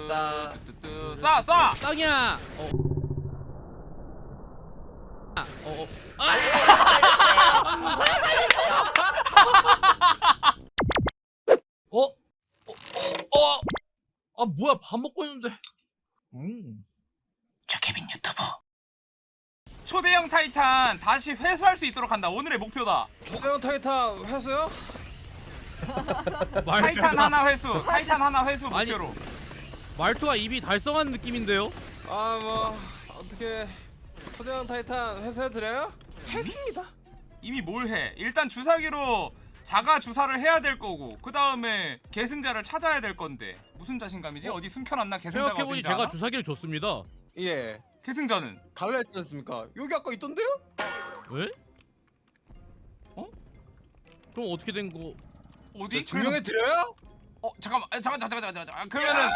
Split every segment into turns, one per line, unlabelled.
뚜뚜뚜 쏴!
땅이야. 아 뭐야 밥 먹고 있는데.
조케빈 유튜브 초대형 타이탄 다시 회수할 수 있도록 한다. 오늘의 목표다.
초대형 타이탄 회수요?
타이탄 하나 회수. 타이탄 하나 회수
아니,
목표로.
말투가 입이 달성한 느낌인데요.
아 뭐 어떻게 초대형 타이탄 회수해드려요? 했습니다.
이미 뭘 해? 일단 주사기로 자가 주사를 해야 될 거고 그 다음에 계승자를 찾아야 될 건데 무슨 자신감이지? 어디 숨겨놨나 계승자가
생각해보니
어딘지
제가
알아?
주사기를 줬습니다.
예.
계승자는?
달라 했지 않습니까? 여기 아까 있던데요?
왜?
어?
그럼 어떻게 된 거?
어디?
증명해드려요?
잠깐만 그러면은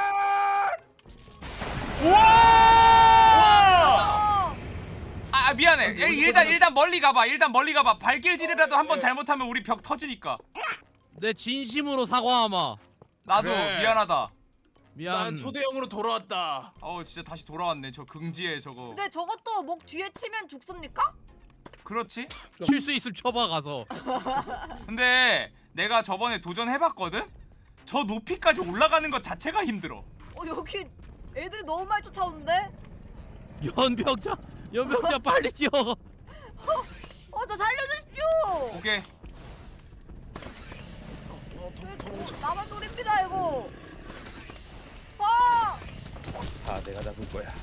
우와! 미안해. 일단 멀리 가봐. 발길질이라도 한번 잘못하면 우리 벽 터지니까.
내 진심으로 사과하마.
나도
그래.
미안하다.
미안.
난 초대형으로 돌아왔다.
진짜 다시 돌아왔네. 저 긍지에 저거.
근데 저것도 목 뒤에 치면 죽습니까?
그렇지?
칠 수 있으면 쳐봐 가서.
근데 내가 저번에 도전해봤거든? 저 높이까지 올라가는 것 자체가 힘들어.
여기 애들이 너무 많이 쫓아오는데?
연병자 빨리 뛰어.
저 살려주십시오!
오케이.
나만 소리입니다 이거!
내가 잡을 거야.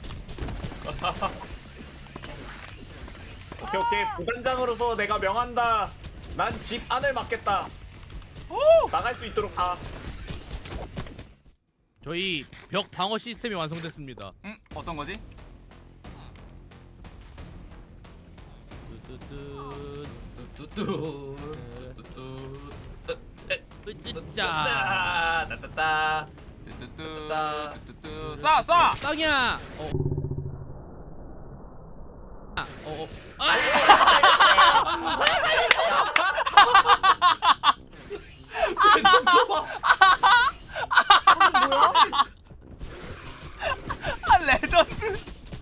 오케이 부단장으로서 내가 명한다. 난 집 안을 막겠다. 나갈 수 있도록 다.
저희 벽 방어 시스템이 완성됐습니다.
어떤 거지?
자,
뚜뚜뚜 쏴!
땅이야.
레전드.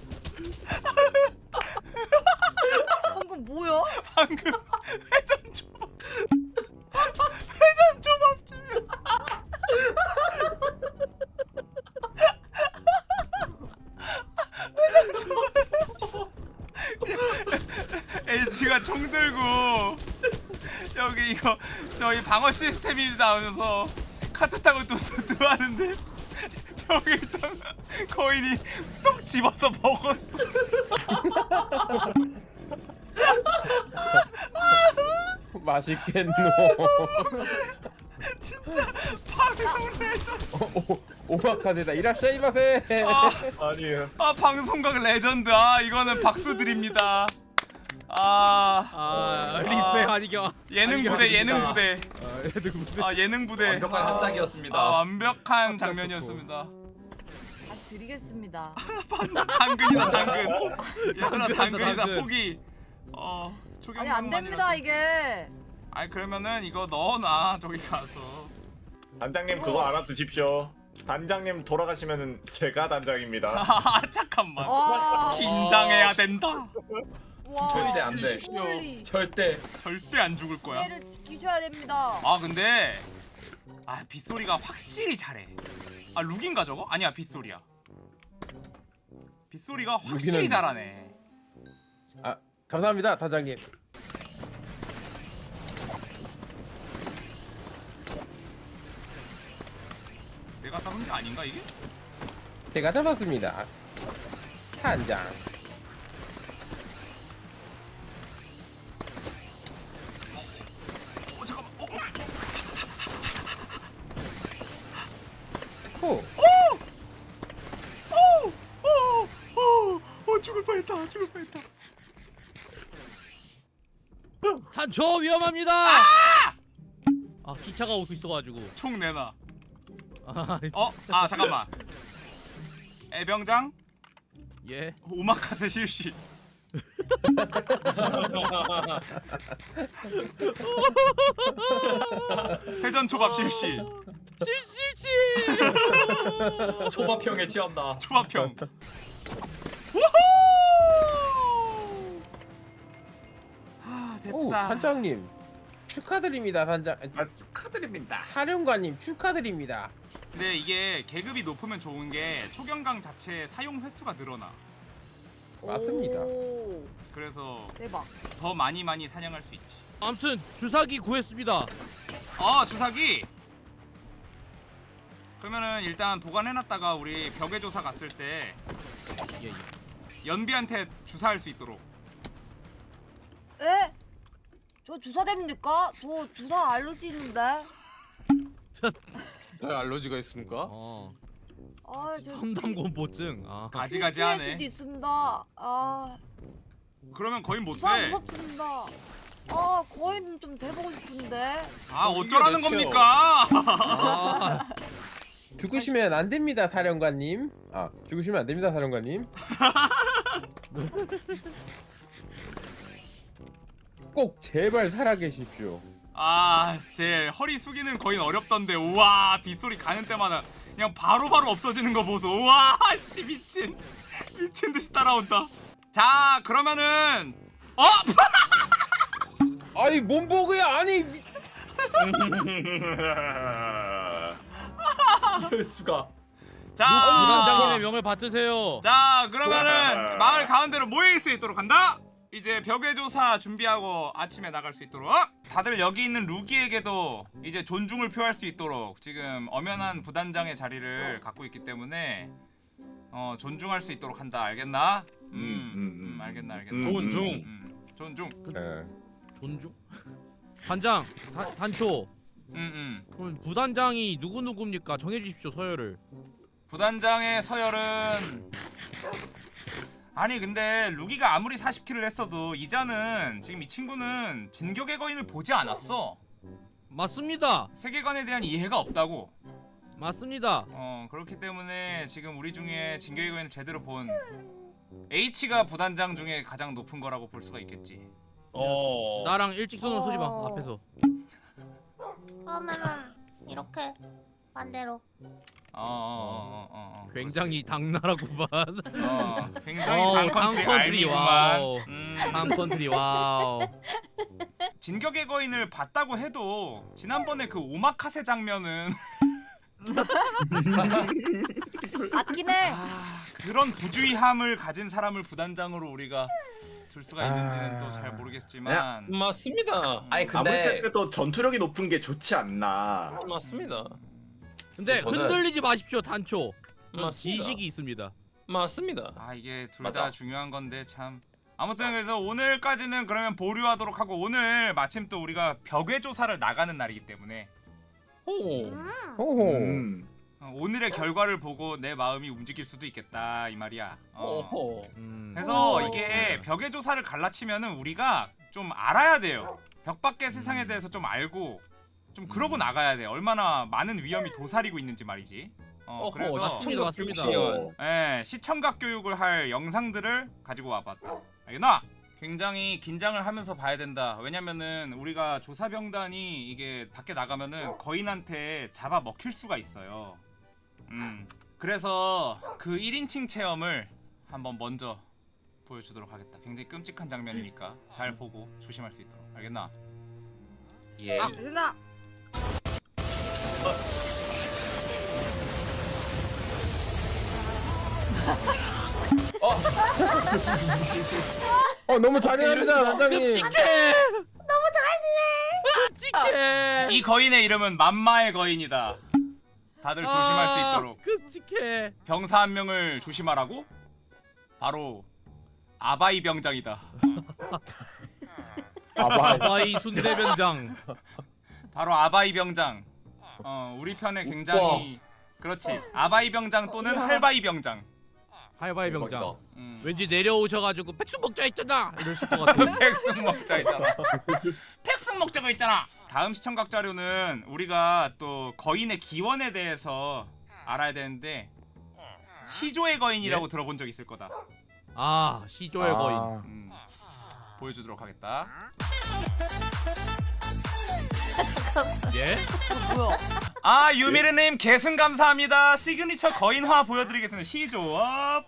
방금 뭐야?
방금 회전 초밥집이야. H가 총 들고 여기 이거 저희 방어 시스템이 나오면서 카트 타고 뚜뚜뚜 하는데 벽에 있던 거인이 똑 집어서 먹었어.
맛있겠노.
진짜 방송 레전드.
오마카세다. 이라샤이마세. 아니에요.
방송각 레전드. 이거는 박수 드립니다.
리스펙 아니겨.
예능 부대. 예능 부대.
완벽한 합작이었습니다.
완벽한 장면이었습니다.
다시 드리겠습니다.
당근이다 당근. 얘들아 당근이다
당근.
포기.
아니 안됩니다 이게.
그러면은 이거 넣어놔 저기 가서.
단장님 그거 알아두십시오. 단장님 돌아가시면은 제가 단장입니다.
잠깐만.
와.
긴장해야 된다.
와.
절대 안 돼.
홀리.
절대.
절대 안 죽을 거야.
피해를 지키셔야 됩니다.
근데 빗소리가 확실히 잘해. 룩인가 저거? 아니야 빗소리야. 빗소리가 확실히
룩이는-
잘하네.
감사합니다, 단장님.
내가 잡은 게 아닌가 이게?
제가 잡았습니다. 단장.
잠깐만.
호.
죽을 뻔했다.
산초 위험합니다. 기차가 오고 있어가지고.
총 내놔.
아,
잠깐만. 애병장
예.
오마카세 실시. 회전 초밥 실시.
칠칠칠.
초밥형에 취한다.
초밥형. 아
오,
됐다.
단장님 축하드립니다. 단장
축하드립니다.
사령관님 축하드립니다.
근데 이게 계급이 높으면 좋은 게 초경강 자체 사용 횟수가 늘어나.
맞습니다.
오,
그래서
대박.
더 많이 사냥할 수 있지.
아무튼 주사기 구했습니다.
주사기. 그러면은 일단 보관해놨다가 우리 벽의 조사 갔을 때
예, 예.
연비한테 주사할 수 있도록.
에? 저 주사 됩니까? 저 주사 알러지 있는데.
왜 알러지가 있습니까?
아, 저
섬담공포증. 아.
가지가지하네.
수도 있습니다. 아,
그러면 거의
주사
못돼.
무섭습니다. 아, 거인 좀 돼보고 싶은데.
어쩌라는
이게
겁니까?
아,
죽으시면 안 됩니다, 사령관님. 죽으시면 안 됩니다, 사령관님. 꼭 제발 살아계십시오.
제 허리 숙이는 거인 어렵던데. 우와, 빗소리 가는 때마다 그냥 바로바로 없어지는 거 보소. 우와, 씨 미친 듯이 따라온다. 자, 그러면은
아니 몸보그야 아니.
이럴 수가.
부단장님의
자,
명을 받드세요.
그러면은 마을 가운데로 모일 수 있도록 한다. 이제 벽의 조사 준비하고 아침에 나갈 수 있도록. 다들 여기 있는 루기에게도 이제 존중을 표할 수 있도록 지금 엄연한 부단장의 자리를 갖고 있기 때문에 존중할 수 있도록 한다. 알겠나? 알겠나.
존중.
존중.
존중? 단장, 단초. 그럼 부단장이 누구입니까? 정해주십시오 서열을.
부단장의 서열은 아니 근데 루기가 아무리 40킬을 했어도 이자는 지금 이 친구는 진격의 거인을 보지 않았어.
맞습니다.
세계관에 대한 이해가 없다고.
맞습니다.
그렇기 때문에 지금 우리 중에 진격의 거인을 제대로 본 H가 부단장 중에 가장 높은 거라고 볼 수가 있겠지.
나랑 일직선으로 서지 마 앞에서.
그러면은 이렇게 반대로.
굉장히 당나라구만.
굉장히 강컨트리 알미구만.
와우. 강컨트리 와우.
진격의 거인을 봤다고 해도 지난번에 그 오마카세 장면은
맞긴 해.
그런 부주의함을 가진 사람을 부단장으로 우리가 둘 수가 있는지는 또 잘 모르겠지만
맞습니다.
아니 아무리 생각해도 전투력이 높은 게 좋지 않나.
맞습니다.
근데
저는-
흔들리지 마십시오 단초.
맞습니다.
지식이 있습니다.
맞습니다.
이게 둘
맞아.
다 중요한 건데 참. 아무튼 그래서 오늘까지는 그러면 보류하도록 하고 오늘 마침 또 우리가 벽의 조사를 나가는 날이기 때문에
오.
호호.
오늘의 결과를 보고 내 마음이 움직일 수도 있겠다 이 말이야.
오호.
그래서
오.
이게 벽의 조사를 갈라치면은 우리가 좀 알아야 돼요. 벽 밖의 세상에 대해서 좀 알고 좀 그러고 나가야 돼. 얼마나 많은 위험이 도사리고 있는지 말이지. 그래서
시청각 교육
시간. 시청각 교육을 할 영상들을 가지고 와봤다. 알겠나? 굉장히 긴장을 하면서 봐야 된다. 왜냐면은 우리가 조사병단이 이게 밖에 나가면은 거인한테 잡아 먹힐 수가 있어요. 그래서 그 1인칭 체험을 한번 먼저 보여주도록 하겠다. 굉장히 끔찍한 장면이니까 잘 보고 조심할 수 있도록. 알겠나?
예.
유나.
너무 잔인합니다, 단장님.
끔찍해. 너무 끔찍해.
이 거인의 이름은 만마의 거인이다. 다들 조심할 수 있도록.
끔찍해.
병사 한 명을 조심하라고? 바로 아바이 병장이다.
아바이 순대병장.
바로 아바이 병장. 우리 편에 굉장히 그렇지. 아바이 병장 또는 할바이 병장.
하이바이 병장.
음.
왠지 내려오셔가지고 백숙 먹자 했잖아 이러실 것 같아.
백숙 먹자 있잖아. 백숙 먹자고 있잖아. 다음 시청각 자료는 우리가 또 거인의 기원에 대해서 알아야 되는데 시조의 거인이라고 들어본 적 있을 거다.
시조의 거인.
보여주도록 하겠다.
예?
뭐야?
아 유미르님 계승 감사합니다. 시그니처 거인화 보여드리겠습니다. 시조업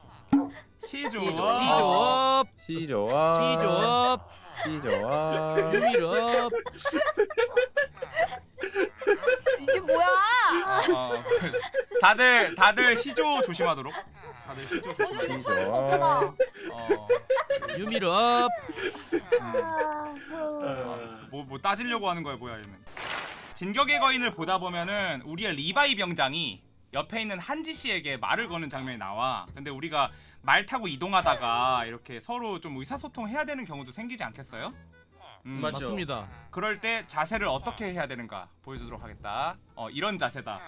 시조업
시조업
시조아
시조업
시조아
유미럽.
이게 뭐야?
다들 시조 조심하도록. 다들 시조 조심하도록.
시조아
어쩌다.
유미럽.
뭐 따지려고 하는 거야 뭐야 얘는. 진격의 거인을 보다 보면은 우리의 리바이 병장이 옆에 있는 한지 씨에게 말을 거는 장면이 나와. 근데 우리가 말 타고 이동하다가 이렇게 서로 좀 의사소통 해야 되는 경우도 생기지 않겠어요?
맞죠.
맞습니다.
그럴 때 자세를 어떻게 해야 되는가 보여주도록 하겠다. 이런 자세다.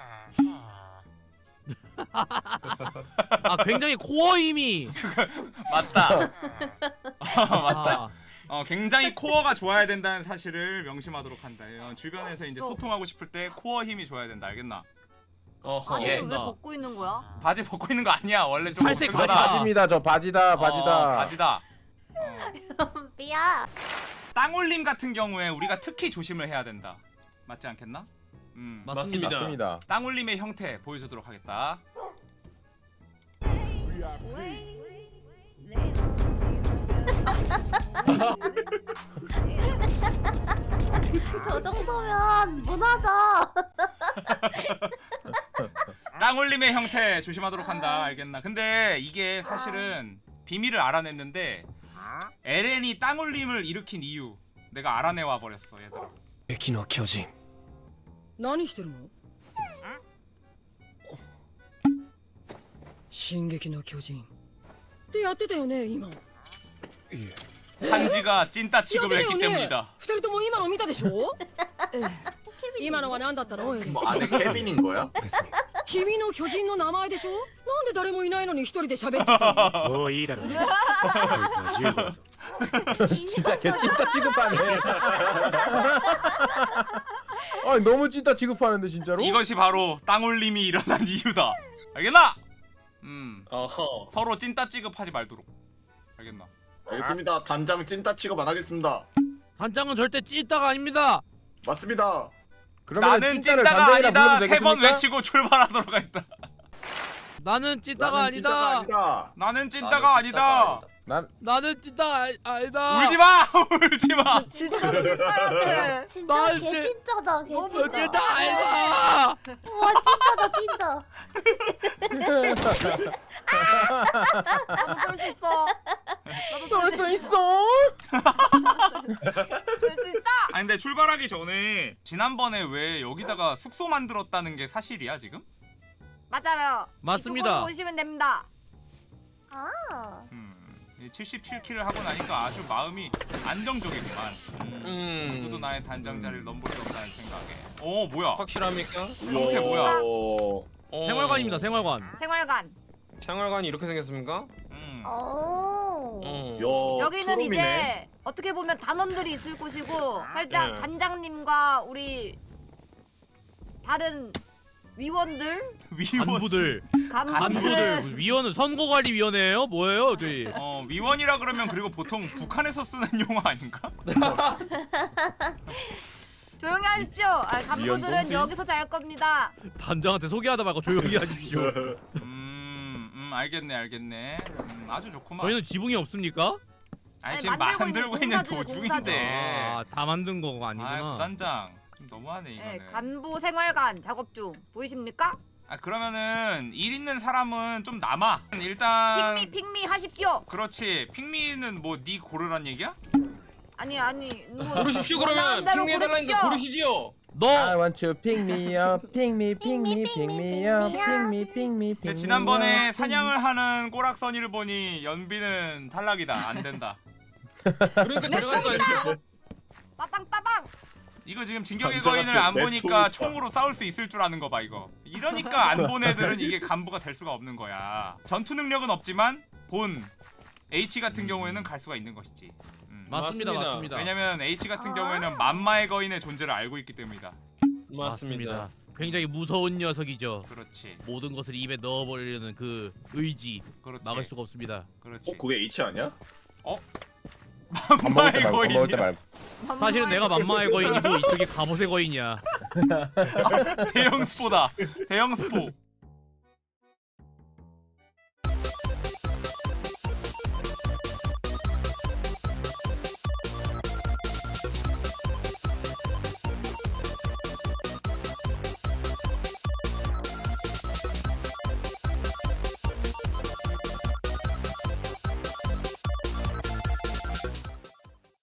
아 굉장히 코어 힘이.
맞다. 맞다.
아,
굉장히 코어가 좋아야 된다는 사실을 명심하도록 한다. 주변에서 이제 소통하고 싶을 때 코어 힘이 좋아야 된다. 알겠나?
어허.
아니
예.
왜 벗고 있는 거야?
바지 벗고 있는 거 아니야. 원래 좀
살색
벗은 거다.
바지다.
바지입니다. 저 바지다 바지다.
바지다.
삐야.
땅올림 같은 경우에 우리가 특히 조심을 해야 된다. 맞지 않겠나?
맞습니다.
맞습니다.
땅올림의 형태 보여주도록 하겠다.
저 정도면 무너져.
땅올림의 형태 조심하도록 한다. 알겠나? 근데 이게 사실은 비밀을 알아냈는데 에렌이 땅올림을 일으킨 이유 내가 알아내와 버렸어 얘들아.
敵の巨人
何してるの進撃の巨人ってやってたよね今や
한지가 찐따
って
취급을
た
했기
よね
때문이다.
二人とも今の見たでしょええ今のは何だったのエレン
뭐 안에 케빈인 거야?
別に
君の巨人の名前でしょなんで誰もいないのに一人で喋ってたの
もういいだろうこいつは15だぞ
진짜 개 찐따 취급하네. 아 너무 찐따 취급하는데 진짜로?
이것이 바로 땅올림이 일어난 이유다. 알겠나?
어허.
서로 찐따 취급하지 말도록. 알겠나?
알겠습니다. 단장 찐따 취급 안 하겠습니다.
단장은 절대 찐따가 아닙니다.
맞습니다.
그러면
나는
찐따를
찐따가
단장이라
아니다.
불러도
3번
되겠습니까?
외치고 출발하도록 하겠다.
나는 찐따가
나는
아니다.
아니다.
나는 찐따가 아니다.
나는 찐따가 아니다.
울지 마. 울지 마.
진짜 찐따였지.
진짜
나한테-
개찐짜다
저
개찐짜.
찐따 아니다.
우와 찐짜다 찐짜.
나도 쏠 수 있어. 나도 쏠 수 있어. 쏠 수 있다.
아니 근데 출발하기 전에 지난번에 왜 여기다가 숙소 만들었다는 게 사실이야 지금?
맞아요.
맞습니다.
이쪽으로 오시면 됩니다.
아.
77킬을 하고 나니까 아주 마음이 안정적이구만. 누구도 나의 단장 자리를 넘볼 수 없다는 생각에. 뭐야?
확실합니까?
형태 뭐야?
생활관입니다. 생활관.
생활관.
생활관이 이렇게 생겼습니까?
오.
여기는
투룸이네.
이제 어떻게 보면 단원들이 있을 곳이고 살짝
예.
단장님과 우리 다른 위원들,
간부들.
간부들
위원은 선거관리위원회예요? 뭐예요, 저희?
위원이라 그러면 그리고 보통 북한에서 쓰는 용어 아닌가?
조용히 하십시오. 간부들은
위원동생?
여기서 잘 겁니다.
단장한테 소개하다 말고 조용히 하십시오.
알겠네. 아주 좋구만.
저희는 지붕이 없습니까?
아니
아니,
지금
만들고
만들고
있는
있는
공사들이
도중인데.
다 만든 거가 아니구나.
부단장 좀 너무하네 이거는.
네, 간부 생활관 작업 중 보이십니까?
그러면은 일 있는 사람은 좀 남아. 일단
핑미 하십시오.
그렇지. 핑미는 뭐 네 고르란 얘기야?
아니 뭐
고르십시오
원하는
그러면
대로
핑계해달라니까 고르시지요.
I
너
want to pick me up, pick me, pick me, pick me up, pick me, pick me, pick
근데
me
지난번에
up.
사냥을 하는 꼬락선이를 보니 연비는 탈락이다. 안 된다.
그러니까 데려간 거 아니에요?
빠빵.
이거 지금 진격의
남자가
거인을 안
내
보니까
총이다.
총으로 싸울 수 있을 줄 아는 거 봐 이거. 이러니까 안 본 애들은 이게 간부가 될 수가 없는 거야. 전투 능력은 없지만 본 H 같은 경우에는 갈 수가 있는 것이지.
맞습니다.
맞습니다.
맞습니다.
왜냐면 H 같은 경우에는 만마의 거인의 존재를 알고 있기 때문이다.
맞습니다.
굉장히 무서운 녀석이죠.
그렇지.
모든 것을 입에 넣어버리려는 그 의지
그렇지.
막을 수가 없습니다.
그렇지.
그게 H 아니야?
밥 먹을 때
만마의
말고 밥 먹을 때
거인이야.
말고.
사실은 내가 만마의 거인이고 이쪽이 갑옷의 거인이야.
대형 스포다. 대형 스포.